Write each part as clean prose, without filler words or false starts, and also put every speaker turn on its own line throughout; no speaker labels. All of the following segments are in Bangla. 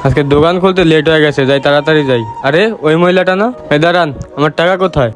আজকে দোকান খুলতে লেট হয়ে গেছে, যাই তাড়াতাড়ি যাই। আরে ওই মহিলাটা না? এই দাঁড়ান, আমার টাকা কোথায়?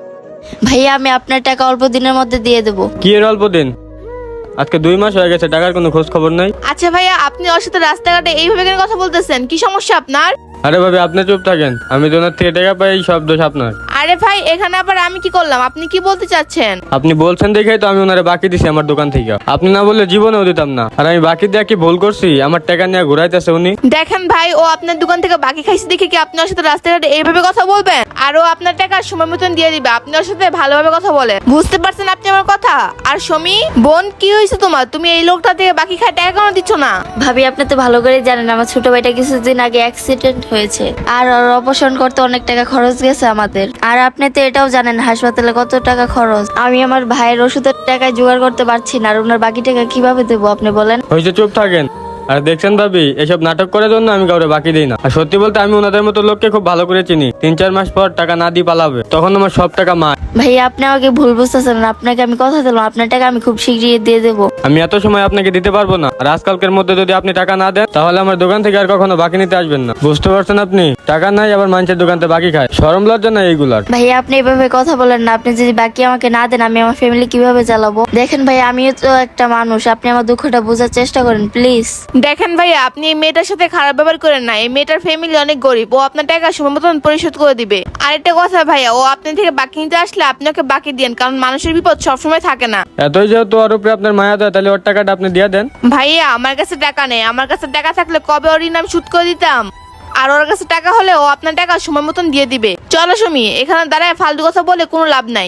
ভাইয়া আমি আপনার টাকা অল্প দিনের মধ্যে দিয়ে দেবো।
কি এর অল্প দিন? আজকে 2 মাস হয়ে গেছে, টাকার কোনো খোঁজ খবর নাই।
আচ্ছা ভাইয়া, আপনি ওর সাথে রাস্তাঘাটে এইভাবে কেন কথা বলতেছেন? কি সমস্যা আপনার?
আরে ভাবি, আপনি চুপ থাকেন। আমি তো ওনার থেকে টাকা পাই, এই সব দোষ আপনার।
আরে ভাই, এখানে আবার আমি কি করলাম? আপনি কি বলতে চাচ্ছেন?
আপনি বলছেন দেখেই তো আমি ওনারে বাকি দিছি আমার দোকান থেকে। আপনি না বললে জীবনেও দিতাম না। আর আমি বাকি দিয়ে কি ভুল করছি? আমার টাকা নিয়ে ঘুরাইতেছে উনি।
দেখেন ভাই, ও আপনার দোকান থেকে বাকি খাইছে দেখে কি আপনি ওর সাথে রাস্তাঘাটে এইভাবে কথা বলবেন? আর ও আপনার টাকা সময় মতন দিয়ে দিবে। আপনি ওর সাথে ভালোভাবে কথা বলেন, বুঝতে পারছেন আপনি আমার কথা? আর সমী বোন, কি হয়েছে তোমার? তুমি এই লোকটা থেকে বাকি খায় টাকা কেন দিচ্ছ না?
ভাবি আপনি তো ভালো করে জানেন আমার ছোট ভাইটা কিছুদিন আগে অ্যাক্সিডেন্ট হয়েছে, আর ওর অপারেশন করতে অনেক টাকা খরচ গেছে আমাদের। আর আপনি তো এটাও জানেন হাসপাতালে কত টাকা খরচ। আমি আমার ভাইয়ের ওষুধের টাকায় জোগাড় করতে পারছি না, আর ওনার বাকি টাকা কিভাবে দেবো আপনি বলেন?
হয়েছে, চুপ থাকেন। আর দেখছেন ভাবি, এসব নাটক করার জন্য আমি কাউরে বাকি দিই না। আর সত্যি বলতে আমি ওনাদের মতো লোককে খুব ভালো করে চিনি। 3-4 মাস পর টাকা না দিয়ে পালাবে, তখন আমার সব টাকা মা।
ভাইয়া আপনি আমাকে ভুল বুঝতেছেন না, আপনাকে আমি কথা দিলাম আপনার টাকা আমি খুব শীঘ্রই দিয়ে দেবো।
আমি এত সময় আপনাকে দিতে পারবো না। আর আজকালকের মধ্যে যদি আপনি টাকা না দেন, তাহলে আমার দোকান থেকে আর কখনো বাকি নিতে আসবেন না। বুঝতে পারছেন? আপনি টাকা নাই, আবার মানুষের দোকান থেকে বাকি খায়। শরম লজ্জা নাই এইগুলার?
ভাইয়া আপনি এভাবে কথা বলেন না, আপনি যদি বাকি আমাকে না দেন আমি আমার ফ্যামিলি কিভাবে চালাবো? দেখেন ভাই, আমিও তো একটা মানুষ, আপনি আমার দুঃখটা বোঝার চেষ্টা করেন প্লিজ।
দেখেন ভাইয়া, আপনি এই মেয়েটার সাথে খারাপ ব্যবহার করেন না। এই মেয়েটার ফ্যামিলি অনেক গরিব, ও আপনার টাকা সময় মতন পরিশোধ করে দিবে। আর একটা কথা ভাইয়া, ও আপনার থেকে বাকি নিতে আসলে আপনি ওকে বাকি দিন, কারণ মানুষের বিপদ সবসময় থাকে না।
এতই যেহেতু ওর উপরে আপনার মায়া দেয়, তাহলে ওর টাকাটা আপনি দিয়ে দেন।
ভাইয়া আমার কাছে টাকা নেই। আমার কাছে টাকা থাকলে কবে ওর ঋণ আমি শোধ করে দিতাম। আর ওর কাছে টাকা হলে ও আপনার টাকা সময় মতন দিয়ে দিবে। চলো সুমি, এখানে দাঁড়ায় ফালতু কথা বলে কোনো লাভ নাই।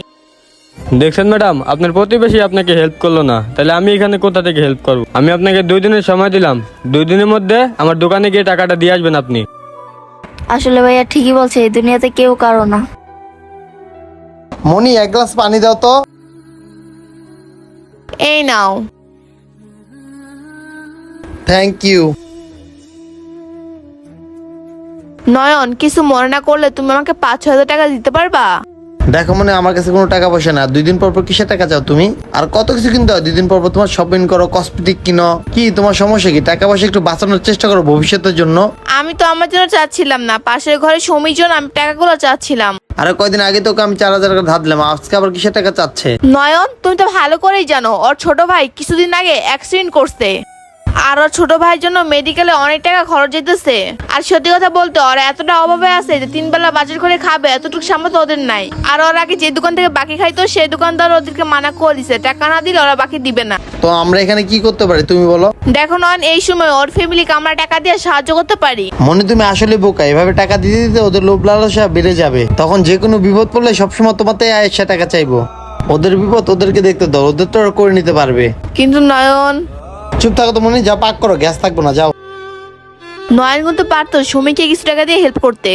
দেখছেন ম্যাডাম, আপনার প্রতিবেশী আপনাকে হেল্প করলো না, তাহলে আমি এখানে কোথা থেকে হেল্প করবো? আমি আপনাকে 2 দিনের সময় দিলাম। 2 দিনের মধ্যে আমার দোকানে গিয়ে টাকাটা দিয়ে আসবেন আপনি।
আসলে ভাইয়া ঠিকই বলছে, এই দুনিয়াতে কেউ কারো না।
মনি, এক গ্লাস পানি দাও তো।
এই নাও।
Thank you.
নয়ন, কিছু মনে না করলে তুমি আমাকে 5-6 হাজার টাকা দিতে পারবা?
দেখো মনে, আমার কাছে কোনো টাকা পয়সা না। 2 দিন পর পর কিসের টাকা চাও তুমি? আর কত কিছু কিনতে হয় 2 দিন পর পর। তোমার শপিং করো, কসমেটিক কিনো, কি তোমার সমস্যা কি? টাকা পয়সা একটু বাঁচানোর চেষ্টা করো ভবিষ্যতের জন্য।
আমি তো আমার জন্য চাচ্ছিলাম না, পাশের ঘরে সমীর জন্য আমি টাকাগুলো চাচ্ছিলাম।
আরে কয়দিন আগে তোকে আমি 4,000 টাকা ধার দিলাম, আজকে আবার কিসের টাকা চাচ্ছে?
নয়ন, তুমি তো ভালো করেই জানো ওর ছোট ভাই কিছুদিন আগে অ্যাক্সিডেন্ট করছে। আর ওর ছোট ভাইয়ের জন্য মেডিকেলে অনেক টাকা খরচ যেতেছে। আর সত্যি কথা বলতে ওরা এতটা অভাবে আছে যে 3 বেলা বাজার করে খাবে এতটুকু সামর্থ্য ওদের নাই। আর ওর আগে যে দোকান থেকে বাকি খাইতো সেই দোকানদার ওদেরকে মানা করে দিছে, টাকা না দিলে ওরা বাকি দিবে না।
তো আমরা এখানে কি করতে পারি তুমি বলো?
দেখো নয়ন, এই সময় ওর ফ্যামিলিকে আমরা টাকা দিয়ে সাহায্য করতে পারি।
মনে, তুমি আসলে বোকা। এভাবে টাকা দিতে দিতে ওদের লোভ লালসা বেড়ে যাবে। তখন যে কোনো বিপদ পড়লে সবসময় তোমাতে আয়েশা টাকা চাইবো। ওদের বিপদ ওদেরকে দেখতে দাও, ওদের তো ওরা করে নিতে পারবে।
কিন্তু নয়ন।
চুপ থাকো তো মনে, যা পাক করো, গ্যাস থাকবো না, যাও।
নয়ন কিন্তু পারতো সুমিকে কিছু টাকা দিয়ে হেল্প করতে।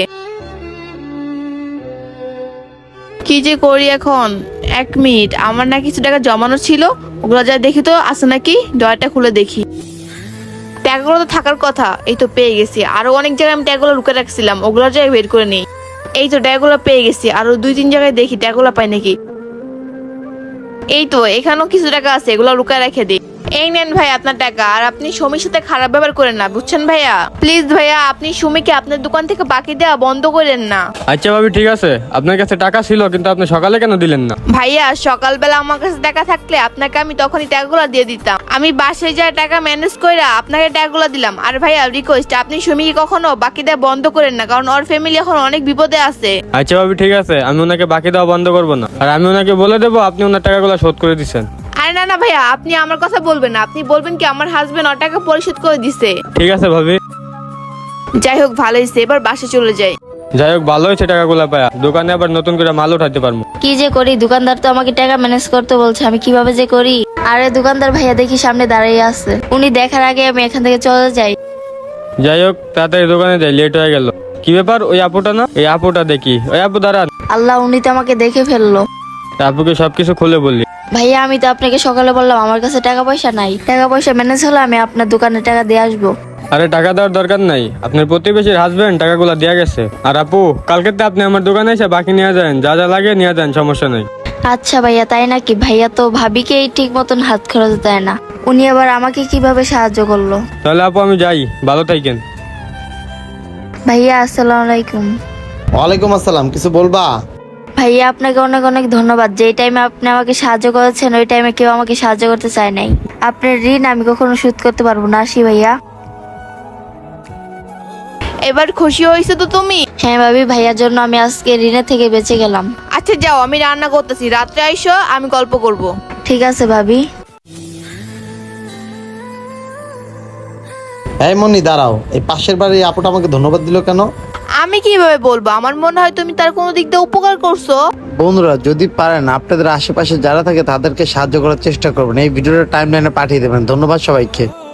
কি যে করি এখন? 1 মিনিট, আমার না কিছু টাকা জমানো ছিল, ওগুলো যা দেখি তো আছে নাকি, ডয়ারটা খুলে দেখি। টাকাগুলো তো থাকার কথা, এই তো পেয়ে গেছি। আরো অনেক জায়গায় আমি টাকাগুলো লুকে রাখছিলাম, ওগুলো জায়গায় বের করে নিই। এই তো টাকাগুলো পেয়ে গেছি, আরো 2-3 জায়গায় দেখি টাকাগুলো পাই নাকি। এই তো এখানেও কিছু টাকা আছে, এগুলো লুকায় রেখে দিই। এই নেন ভাই আপনার টাকা। আর আপনি সুমির সাথে খারাপ ব্যবহার করেন না, বুঝছেন ভাইয়া? প্লিজ ভাইয়া, আপনি সুমিকে আপনার দোকান থেকে বাকি দেওয়া বন্ধ করেন না।
আচ্ছা ভাবি, ঠিক আছে। আপনার কাছে টাকা ছিল, কিন্তু আপনি সকালে কেন দিলেন না?
ভাইয়া, সকালবেলা আমার কাছে টাকা থাকলে আপনাকে আমি তখনই টাকাগুলো দিয়ে দিতাম। আমি বাসায় যা টাকা ম্যানেজ করে আপনাকে টাকাগুলো দিলাম। আর ভাইয়া রিকোয়েস্ট, আপনি সুমিকে কখনো বাকি দেওয়া বন্ধ করেন না, কারণ ওর ফ্যামিলি এখন অনেক বিপদে আছে।
আচ্ছা ভাবি, ঠিক আছে। আমি ওনাকে বাকি দেওয়া বন্ধ করবো না। আর আমি ওনাকে বলে দেবো আপনি ওনার টাকাগুলো শোধ করে দিচ্ছেন।
আরে না না ভাইয়া, আপনি আমার কথা বলবেন না। আপনি বলবেন কি আমার হাজবেন্ড ওর টাকা পরিশোধ করে দিছে।
ঠিক আছে ভাবি।
যাই হোক, ভালো হয়েছে, এবার বাসে চলে যাই।
যাই হোক, ভালো হয়েছে টাকাগুলো পায়া। দোকানে আবার নতুন করে মাল উঠাতে পারবো।
কি যে করি, দোকানদার তো আমাকে টাকা ম্যানেজ করতে বলছে, আমি কিভাবে যে করি। আরে দোকানদার ভাইয়া দেখি সামনে দাঁড়িয়ে আছে, উনি দেখার আগে আমি এখান থেকে চলে যাই।
যাই হোক, তাড়াতাড়ি দোকানে যাই, লেট হয়ে গেল। কি ব্যাপার? ওই আপুটা না? এই আপুটা দেখি। ওই আপু দাঁড়ান।
আল্লাহ, উনি তো আমাকে দেখে ফেললো।
আপুকে সবকিছু খুলে বললি।
ভাইয়া আমি তো আপনাকে সকালে বললাম আমার কাছে টাকা পয়সা নাই, টাকা পয়সা ম্যানেজ হলে আমি আপনার দোকানে টাকা দিয়ে আসবো।
আরে টাকা দেওয়ার দরকার নাই, আপনার প্রতিবেশীর হাজবেন্ড টাকাগুলো দেয়া গেছে। আর আপু, কালকে তো আপনি আমার দোকানে এসে বাকি নিয়ে যান, যা যা লাগে নিয়ে যান, সমস্যা নেই।
আচ্ছা ভাইয়া, তাই নাকি? ভাইয়া তো ভাবিকেই ঠিক মতন হাত খরচ দেয় না, উনি আবার আমাকে কিভাবে সাহায্য করলো?
তাহলে আপু আমি যাই, ভালো থাকেন।
ভাইয়া আসসালামু আলাইকুম।
ওয়ালাইকুম আসসালাম, কিছু বলবা?
ভাইয়া আপনাকে অনেক অনেক ধন্যবাদ। যেই টাইমে আপনি আমাকে সাহায্য করেছেন ওই টাইমে কেউ আমাকে সাহায্য করতে চায় নাই। আপনার ঋণ আমি কখনো শোধ করতে পারবো না। আসি ভাইয়া।
এবার খুশি হয়েছে তো তুমি?
হ্যাঁ ভাবি, ভাইয়ার জন্য আমি আজকে ঋণের থেকে বেঁচে গেলাম।
আচ্ছা যাও, আমি রান্না করতেছি, রাত্রে আইসো, আমি গল্প করব।
ঠিক আছে ভাবি।
এই মনি দাঁড়াও, এই পাশের বাড়ির আপুটা আমাকে ধন্যবাদ দিল কেন?
আমি কিভাবে বলবো? আমার মনে হয় তুমি তার কোনো দিক দিয়ে উপকার করছো।
বন্ধুরা যদি পারেন আপনাদের আশেপাশে যারা থাকে তাদেরকে সাহায্য করার চেষ্টা করবেন, এই ভিডিওটা টাইমলাইনে পাঠিয়ে দেবেন। ধন্যবাদ সবাইকে।